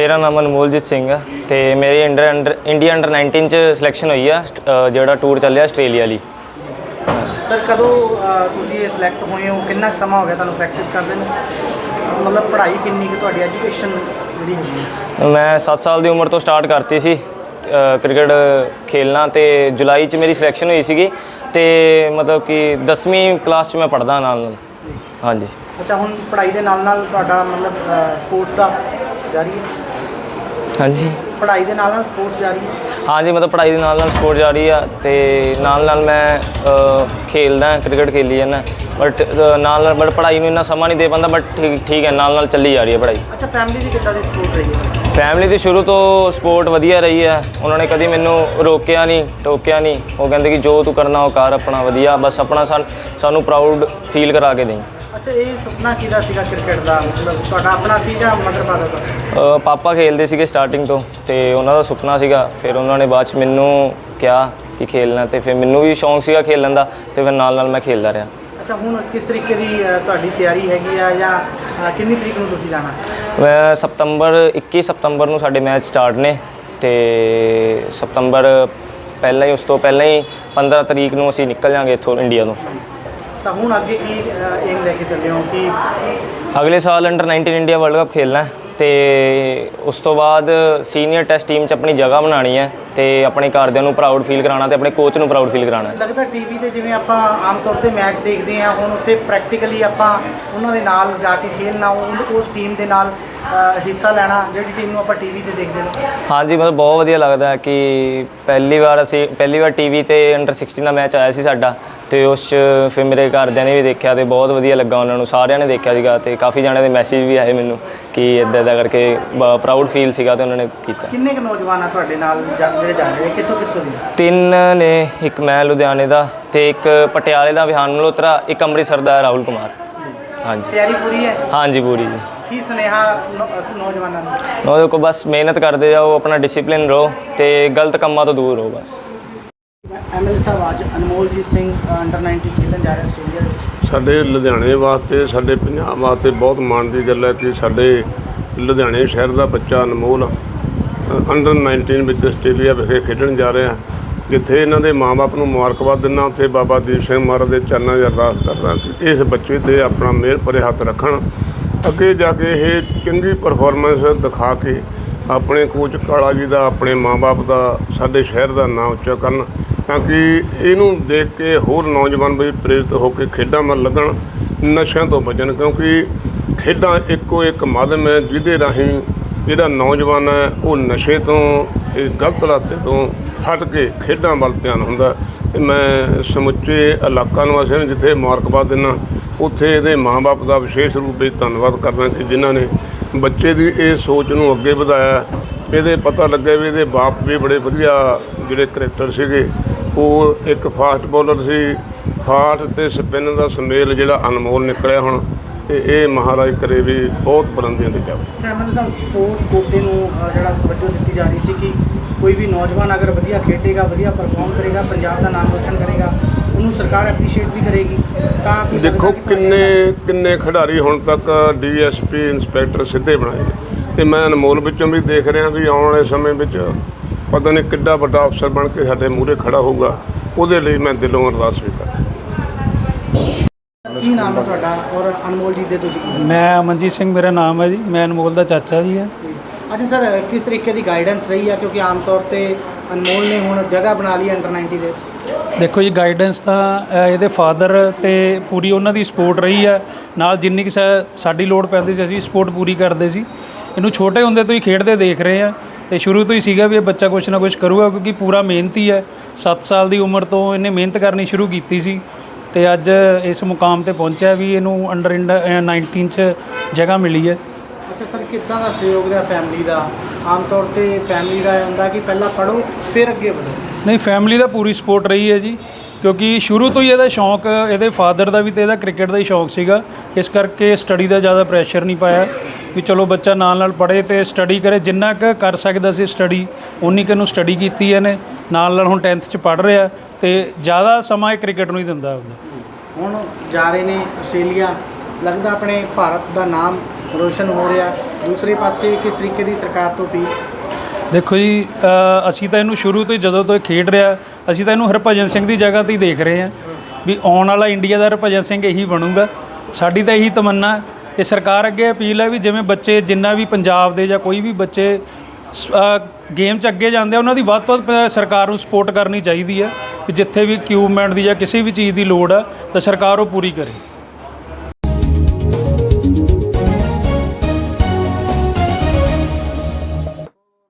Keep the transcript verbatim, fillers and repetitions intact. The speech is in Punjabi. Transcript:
मेरा नाम अनमोलजीत सिंह है तो मेरी under under India under nineteen च सिलेक्शन हुई है जो टूर चलिया आस्ट्रेलिया ली। सर कदों तुसीं सिलेक्ट होए हो, कितना समा हो गया तुहानूं प्रैक्टिस करदे नूं, मतलब पढ़ाई किन्नी कि तुहाडी एजुकेशन जिहड़ी हैगी? मैं सत्त साल की उम्र तो स्टार्ट करती सी क्रिकेट खेलना तो जुलाई च मेरी सिलेक्शन हुई सी तो मतलब कि दसवीं क्लास च मैं पढ़दा नाल नाल। हाँ जी। अच्छा, हुण पढ़ाई दे नाल नाल तुहाडा मतलब स्पोर्ट्स दा जारी है? हाँ जी, पढ़ाई दे नाल नाल स्पोर्ट्स जारी है? हाँ जी, मतलब पढ़ाई के नाल नाल स्पोर्ट जारी है तो नाल नाल मैं खेलदा क्रिकेट खेली जाना बट नाल नाल बट पढ़ाई में इन्ना समा नहीं दे पाता बट ठीक ठीक है नाल नाल चली जा रही है पढ़ाई। अच्छा, फैमिली की कितना दी सपोर्ट रही है? फैमिली की शुरू तो सपोर्ट वधिया रही है, उन्होंने कभी मैनू रोकया नहीं टोकिया नहीं, वो कहते कि जो तू करना वो कर अपना वधिया बस अपना सान सानू प्राउड फील करा के दें। अच्छा, ये सुपना किहदा सीगा क्रिकेट का, मतलब तुहाडा अपना सी जां मदर फादर का? पापा खेलते थे स्टार्टिंग तो तो उन्होंने सुपना सीगा, फिर उन्होंने बाद च मैनू कहा कि खेलना तो फिर मैनू भी शौक सीगा खेलन का तो फिर नाल नाल मैं खेलता रहा। अच्छा, हुण किस तरीके की तुहाडी तैयारी हैगी आ या किन्नी तरीक नूं तुसीं जाना? मैं सितंबर इक्की सितंबर नूं साडे मैच स्टार्ट ने तो सितंबर पहला ही उस तो पहला ही पंद्रह तरीक नूं असीं निकल जाएंगे इत्थों इंडिया तो। तो हुण अगे की एम लैके चले हो कि अगले साल under nineteen India world cup खेलना है तो उस तो बाद सीनियर टेस्ट टीम च अपनी जगह बनानी है तो अपने घरदिਆਂ ਨੂੰ प्राउड फील कराना तो अपने कोच ਨੂੰ प्राउड फील कराना। लगता टीवी ਤੇ ਜਿਵੇਂ ਆਪਾਂ ਆਮ ਤੌਰ ਤੇ ਮੈਚ ਦੇਖਦੇ ਹਾਂ, ਹੁਣ ਉੱਥੇ ਪ੍ਰੈਕਟੀਕਲੀ ਆਪਾਂ ਉਹਨਾਂ ਦੇ ਨਾਲ ਜਾ ਕੇ ਖੇਲਣਾ, ਉਸ ਟੀਮ ਦੇ ਨਾਲ ਹਿੱਸਾ ਲੈਣਾ ਜਿਹੜੀ ਟੀਮ ਨੂੰ ਆਪਾਂ ਟੀवी ਤੇ ਦੇਖਦੇ ਹਾਂ। हाँ जी, मतलब बहुत वधिया लगता है कि पहली बार असी पहली बार टीवी ते अंडर सिक्सटीन का मैच आया सी साडा तो उस फिर मेरे घरदिਆਂ ने भी देखा तो बहुत वधिया लगा, उन्होंने सारिਆਂ ने देखा सीगा तो काफ़ी जाने के मैसेज भी आए मैनू कि इदा इदा करके प्राउड फील सीगा तो उन्होंने किया। किन्ने क नौजवान आ तुहाडे नाल ਜਿਹੜੇ ਜਾ ਰਹੇ ਕਿੱਥੋਂ ਕਿੱਥੋਂ ਦੀ? तीन ने, एक मैं लुधियाने का तो एक पटियाले का विहान मल्होत्रा, एक अमृतसर का राहुल कुमार। हाँ जी। तैयारी पूरी है? हाँ जी पूरी जी। की सुनेहा नौजवानों ਨੂੰ? ਉਹਦੇ को बस मेहनत करते जाओ, अपना डिसिपलिन रहो तो गलत कामों तो दूर रहो बस। ਐਮਐਲਏ ਸਾਹਿਬ ਅੱਜ ਅਨਮੋਲਜੀਤ ਸਿੰਘ ਅੰਡਰ ਨਾइनटीन ਖੇਡਣ ਜਾ ਰਹੇ ਆਸਟ੍ਰੇਲੀਆ ਵਿੱਚ। ਸਾਡੇ ਲੁਧਿਆਣੇ ਵਾਸਤੇ ਸਾਡੇ ਪੰਜਾਬ ਵਾਸਤੇ ਬਹੁਤ ਮਾਣ ਦੀ ਗੱਲ ਹੈ ਕਿ ਸਾਡੇ ਲੁਧਿਆਣੇ ਸ਼ਹਿਰ ਦਾ ਬੱਚਾ ਅਨਮੋਲ ਅੰਡਰ ਨਾइनटीन ਵਿੱਚ ਆਸਟ੍ਰੇਲੀਆ ਵਿਖੇ ਖੇਡਣ ਜਾ ਰਿਹਾ, ਜਿੱਥੇ ਇਹਨਾਂ ਦੇ ਮਾਂ-ਬਾਪ ਨੂੰ ਮੁਬਾਰਕਬਾਦ ਦਿੰਦਾ, ਉੱਥੇ ਬਾਬਾ ਦੀਪ ਸਿੰਘ ਮਹਾਰਾਜ ਦੇ ਚਰਨਾਂ 'ਚ ਅਰਦਾਸ ਕਰਦਾ ਕਿ ਇਸ ਬੱਚੇ 'ਤੇ ਆਪਣਾ ਮਿਹਰ ਭਰੇ ਹੱਥ ਰੱਖਣ, ਅੱਗੇ ਜਾ ਕੇ ਇਹ ਚੰਗੀ ਪਰਫਾਰਮੈਂਸ ਦਿਖਾ ਕੇ ਆਪਣੇ ਕੋਚ ਕਾਲਾ ਜੀ ਦਾ, ਆਪਣੇ ਮਾਂ-ਬਾਪ ਦਾ, ਸਾਡੇ ਸ਼ਹਿਰ ਦਾ ਨਾਂ ਉੱਚਾ ਕਰਨ, ਤਾਂ ਕਿ ਇਹਨੂੰ ਦੇਖ ਕੇ ਹੋਰ ਨੌਜਵਾਨ ਵੀ ਪ੍ਰੇਰਿਤ ਹੋ ਕੇ ਖੇਡਾਂ ਵੱਲ ਲੱਗਣ, ਨਸ਼ਿਆਂ ਤੋਂ ਬਚਣ, ਕਿਉਂਕਿ ਖੇਡਾਂ ਇੱਕੋ ਇੱਕ ਮਾਧਿਅਮ ਹੈ ਜਿਹਦੇ ਰਾਹੀਂ ਜਿਹੜਾ ਨੌਜਵਾਨ ਹੈ ਉਹ ਨਸ਼ੇ ਤੋਂ, ਇਹ ਗਲਤ ਰਾਸਤੇ ਤੋਂ ਹਟ ਕੇ ਖੇਡਾਂ ਵੱਲ ਧਿਆਨ ਹੁੰਦਾ। ਅਤੇ ਮੈਂ ਸਮੁੱਚੇ ਇਲਾਕਾ ਨਿਵਾਸੀਆਂ ਨੂੰ ਜਿੱਥੇ ਮੁਬਾਰਕਬਾਦ ਦਿੰਦਾ, ਉੱਥੇ ਇਹਦੇ ਮਾਂ-ਬਾਪ ਦਾ ਵਿਸ਼ੇਸ਼ ਰੂਪ ਵਿੱਚ ਧੰਨਵਾਦ ਕਰਦਾ ਕਿ ਜਿਨ੍ਹਾਂ ਨੇ ਬੱਚੇ ਦੀ ਇਹ ਸੋਚ ਨੂੰ ਅੱਗੇ ਵਧਾਇਆ। ਇਹਦੇ ਪਤਾ ਲੱਗਿਆ ਵੀ ਇਹਦੇ ਬਾਪ ਵੀ ਬੜੇ ਵਧੀਆ ਜਿਹੜੇ ਕਰੈਕਟਰ ਸੀਗੇ, ਉਹ ਇੱਕ ਫਾਸਟ ਬੋਲਰ ਸੀ, ਫਾਸਟ ਅਤੇ ਸਪਿਨ ਦਾ ਸੁਮੇਲ ਜਿਹੜਾ ਅਨਮੋਲ ਨਿਕਲਿਆ ਹੁਣ, ਅਤੇ ਇਹ ਮਹਾਰਾਜ ਕਰੇ ਵੀ ਬਹੁਤ ਬੁਲੰਦੀਆਂ 'ਤੇ ਜਾਵੇ। ਐਮਐਲਏ ਸਾਹਿਬ ਸਪੋਰਟਸ ਕੋਟੇ ਨੂੰ ਜਿਹੜਾ ਤਵੱਜੋ ਦਿੱਤੀ ਜਾ ਰਹੀ ਸੀ ਕਿ ਕੋਈ ਵੀ ਨੌਜਵਾਨ ਅਗਰ ਵਧੀਆ ਖੇਡੇਗਾ, ਵਧੀਆ ਪਰਫਾਰਮ ਕਰੇਗਾ, ਪੰਜਾਬ ਦਾ ਨਾਮ ਰੋਸ਼ਨ ਕਰੇਗਾ, ਉਹਨੂੰ ਸਰਕਾਰ ਐਪਰੀਸ਼ੀਏਟ ਵੀ ਕਰੇਗੀ। ਤਾਂ ਦੇਖੋ ਕਿੰਨੇ ਕਿੰਨੇ ਖਿਡਾਰੀ ਹੁਣ ਤੱਕ ਡੀ ਐਸ ਪੀ ਇੰਸਪੈਕਟਰ ਸਿੱਧੇ ਬਣਾਏ ਨੇ, ਅਤੇ ਮੈਂ ਅਨਮੋਲ ਵਿੱਚੋਂ ਵੀ ਦੇਖ ਰਿਹਾ ਵੀ ਆਉਣ ਵਾਲੇ ਸਮੇਂ ਵਿੱਚ ਪਤਾ ਨਹੀਂ ਕਿੱਡਾ ਵੱਡਾ ਅਫਸਰ ਬਣ ਕੇ ਸਾਡੇ ਮੂਹਰੇ ਖੜਾ ਹੋਊਗਾ, ਉਹਦੇ ਲਈ ਮੈਂ ਦਿਲੋਂ ਅਰਦਾਸ ਵੀ ਕਰਦਾ। ਕੀ ਨਾਮ ਹੈ ਤੁਹਾਡਾ ਔਰ ਅਨਮੋਲ ਜੀ ਦੇ ਤੁਸੀਂ? ਮੈਂ ਅਮਨਜੀਤ ਸਿੰਘ ਮੇਰਾ ਨਾਮ ਹੈ ਜੀ, ਮੈਂ ਅਨਮੋਲ ਦਾ ਚਾਚਾ ਜੀ ਹੈ। ਅੱਛਾ ਸਰ, ਕਿਸ ਤਰੀਕੇ ਦੀ ਗਾਈਡੈਂਸ ਰਹੀ ਹੈ, ਕਿਉਂਕਿ ਆਮ ਤੌਰ ਤੇ ਅਨਮੋਲ ਨੇ ਹੁਣ ਜਗ੍ਹਾ ਬਣਾ ਲਈ ਅੰਡਰ ਨਾइनटी ਦੇ ਵਿੱਚ? ਦੇਖੋ ਜੀ, ਗਾਈਡੈਂਸ ਤਾਂ ਇਹਦੇ ਫਾਦਰ ਤੇ ਪੂਰੀ ਉਹਨਾਂ ਦੀ ਸਪੋਰਟ ਰਹੀ ਹੈ, ਨਾਲ ਜਿੰਨੀ ਕਿ ਸਾਡੀ ਲੋੜ ਪੈਂਦੀ ਸੀ ਅਸੀਂ ਸਪੋਰਟ ਪੂਰੀ ਕਰਦੇ ਸੀ। ਇਹਨੂੰ ਛੋਟੇ ਹੁੰਦੇ ਤੋਂ ਹੀ ਖੇਡਦੇ ਦੇਖ ਰਹੇ ਆ ਤੇ ਸ਼ੁਰੂ ਤੋਂ ਹੀ ਸੀਗਾ ਵੀ ਇਹ ਬੱਚਾ ਕੁਛ ਨਾ ਕੁਛ ਕਰੂਗਾ, ਕਿਉਂਕਿ ਪੂਰਾ ਮਿਹਨਤੀ ਹੈ। ਸੱਤ ਸਾਲ ਦੀ ਉਮਰ ਤੋਂ ਇਹਨੇ ਮਿਹਨਤ ਕਰਨੀ ਸ਼ੁਰੂ ਕੀਤੀ ਸੀ ਤੇ ਅੱਜ ਇਸ ਮੁਕਾਮ ਤੇ ਪਹੁੰਚਿਆ ਵੀ ਇਹਨੂੰ ਅੰਡਰ ਨਾइनटीन 'ਚ ਜਗ੍ਹਾ ਮਿਲੀ ਹੈ। ਅੱਛਾ ਸਰ, ਕਿੱਦਾਂ ਦਾ ਸਹਿਯੋਗ ਰਿਹਾ ਫੈਮਿਲੀ ਦਾ? ਆਮ ਤੌਰ ਤੇ ਫੈਮਿਲੀ ਦਾ ਹੁੰਦਾ ਕਿ ਪਹਿਲਾਂ ਪੜ੍ਹੋ ਫਿਰ ਅੱਗੇ ਵਧੋ। ਨਹੀਂ, ਫੈਮਿਲੀ ਦਾ ਪੂਰੀ ਸਪੋਰਟ ਰਹੀ ਹੈ ਜੀ, ਕਿਉਂਕਿ ਸ਼ੁਰੂ ਤੋਂ ਹੀ ਇਹਦਾ ਸ਼ੌਂਕ, ਇਹਦੇ ਫਾਦਰ ਦਾ ਵੀ ਤੇ ਇਹਦਾ ਕ੍ਰਿਕਟ ਦਾ ਹੀ ਸ਼ੌਂਕ ਸੀਗਾ, ਇਸ ਕਰਕੇ ਸਟੱਡੀ ਦਾ ਜ਼ਿਆਦਾ ਪ੍ਰੈਸ਼ਰ ਨਹੀਂ ਪਾਇਆ ਵੀ ਚਲੋ ਬੱਚਾ ਨਾਲ ਨਾਲ ਪੜ੍ਹੇ ਅਤੇ ਸਟੱਡੀ ਕਰੇ। ਜਿੰਨਾ ਕੁ ਕਰ ਸਕਦਾ ਸੀ ਸਟੱਡੀ ਉਨੀ ਕੁ ਨੂੰ ਸਟੱਡੀ ਕੀਤੀ ਇਹਨੇ, ਨਾਲ ਨਾਲ ਹੁਣ ਟੈਂਥ 'ਚ ਪੜ੍ਹ ਰਿਹਾ ਅਤੇ ਜ਼ਿਆਦਾ ਸਮਾਂ ਇਹ ਕ੍ਰਿਕਟ ਨੂੰ ਹੀ ਦਿੰਦਾ ਹੁੰਦਾ। ਹੁਣ ਜਾ ਰਹੇ ਨੇ ਆਸਟ੍ਰੇਲੀਆ, ਲੱਗਦਾ ਆਪਣੇ ਭਾਰਤ ਦਾ ਨਾਮ ਰੋਸ਼ਨ ਹੋ ਰਿਹਾ, ਦੂਸਰੇ ਪਾਸੇ ਕਿਸ ਤਰੀਕੇ ਦੀ ਸਰਕਾਰ ਤੋਂ ਅਪੀਲ? ਦੇਖੋ ਜੀ, ਅ, ਅਸੀਂ ਤਾਂ ਇਹਨੂੰ ਸ਼ੁਰੂ ਤੋਂ ਹੀ ਜਦੋਂ ਤੋਂ ਇਹ ਖੇਡ ਰਿਹਾ, ਅਸੀਂ ਤਾਂ ਇਹਨੂੰ ਹਰਭਜਨ ਸਿੰਘ ਦੀ ਜਗ੍ਹਾ ਤੇ ਹੀ ਦੇਖ ਰਹੇ ਹਾਂ ਵੀ ਆਉਣ ਵਾਲਾ ਇੰਡੀਆ ਦਾ ਹਰਭਜਨ ਸਿੰਘ ਇਹੀ ਬਣੂਗਾ। ਸਾਡੀ ਤਾਂ ਇਹੀ ਤਮੰਨਾ ਹੈ। ਤੇ ਸਰਕਾਰ ਅੱਗੇ ਅਪੀਲ ਹੈ ਵੀ ਜਿਵੇਂ ਬੱਚੇ ਜਿੰਨਾ ਵੀ ਪੰਜਾਬ ਦੇ ਜਾਂ ਕੋਈ ਵੀ ਬੱਚੇ ਗੇਮ 'ਚ ਅੱਗੇ ਜਾਂਦੇ ਆ, ਉਹਨਾਂ ਦੀ ਵੱਧ ਤੋਂ ਵੱਧ ਸਰਕਾਰ ਨੂੰ ਸਪੋਰਟ ਕਰਨੀ ਚਾਹੀਦੀ ਹੈ ਵੀ ਜਿੱਥੇ ਵੀ ਇਕਵਿਪਮੈਂਟ ਦੀ ਜਾਂ ਕਿਸੇ ਵੀ ਚੀਜ਼ ਦੀ ਲੋੜ ਹੈ ਤਾਂ ਸਰਕਾਰ ਉਹ ਪੂਰੀ ਕਰੇ।